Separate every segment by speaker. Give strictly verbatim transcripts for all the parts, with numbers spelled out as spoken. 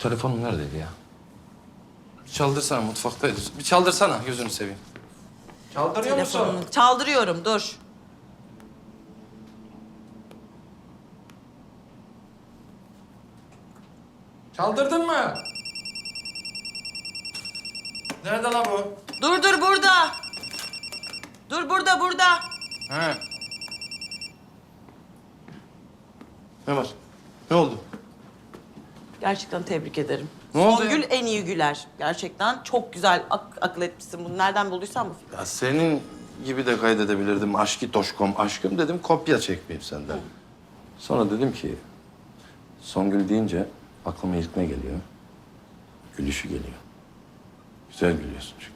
Speaker 1: Telefonum neredeydi ya? Bir çaldırsana, mutfaktaydı. Bir çaldırsana, gözünü seveyim. Çaldırıyor musun?
Speaker 2: Telefonunu çaldırıyorum, dur.
Speaker 1: Çaldırdın mı? Nerede la bu?
Speaker 2: Dur dur burada. Dur burada burada.
Speaker 1: He. Ne var? Ne oldu?
Speaker 2: Gerçekten tebrik ederim.
Speaker 1: Ne oldu
Speaker 2: Songül
Speaker 1: ya?
Speaker 2: en iyi güler. Gerçekten çok güzel ak- akıl etmişsin bunu. Nereden bulduysan bu fikri.
Speaker 1: Ya senin gibi de kaydedebilirdim. Aşkı toşkom aşkım dedim, kopya çekmeyeyim senden. Sonra dedim ki, Songül deyince aklıma ilk ne geliyor? Gülüşü geliyor. Güzel gülüyorsun çünkü.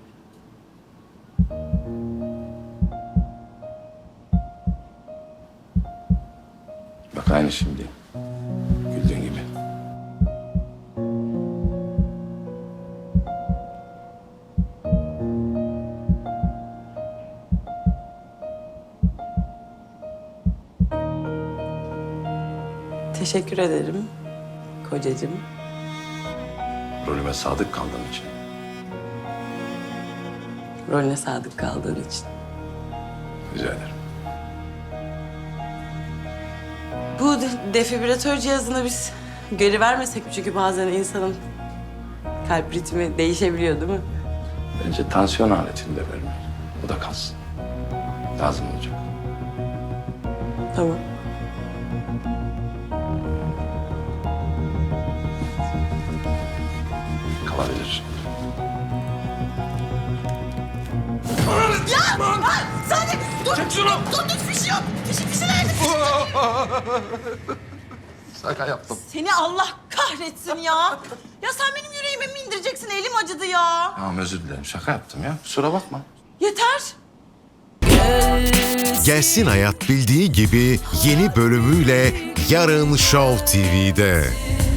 Speaker 1: Bak aynı şimdi. Güldüğün gibi.
Speaker 2: Teşekkür ederim kocacığım.
Speaker 1: Rolüme sadık kaldığın için.
Speaker 2: Rolüne sadık kaldığın için.
Speaker 1: Rica ederim.
Speaker 2: Bu de- defibrilatör cihazını biz geri vermesek mi? Çünkü bazen insanın kalp ritmi değişebiliyor değil mi?
Speaker 1: Bence tansiyon aletini de verme. O da kalsın. Lazım olacak.
Speaker 2: Tamam.
Speaker 1: Kalabilir.
Speaker 2: Sadi dur. Çek şunu. Dur dur fişi yok. Fişi fişi nerede?
Speaker 1: Şaka yaptım.
Speaker 2: Seni Allah kahretsin ya. Ya sen benim yüreğime mi indireceksin? Elim acıdı ya.
Speaker 1: Tamam özür dilerim. Şaka yaptım ya. Kusura bakma.
Speaker 2: Yeter.
Speaker 3: Gelsin Hayat bildiği gibi yeni bölümüyle yarın Show T V'de.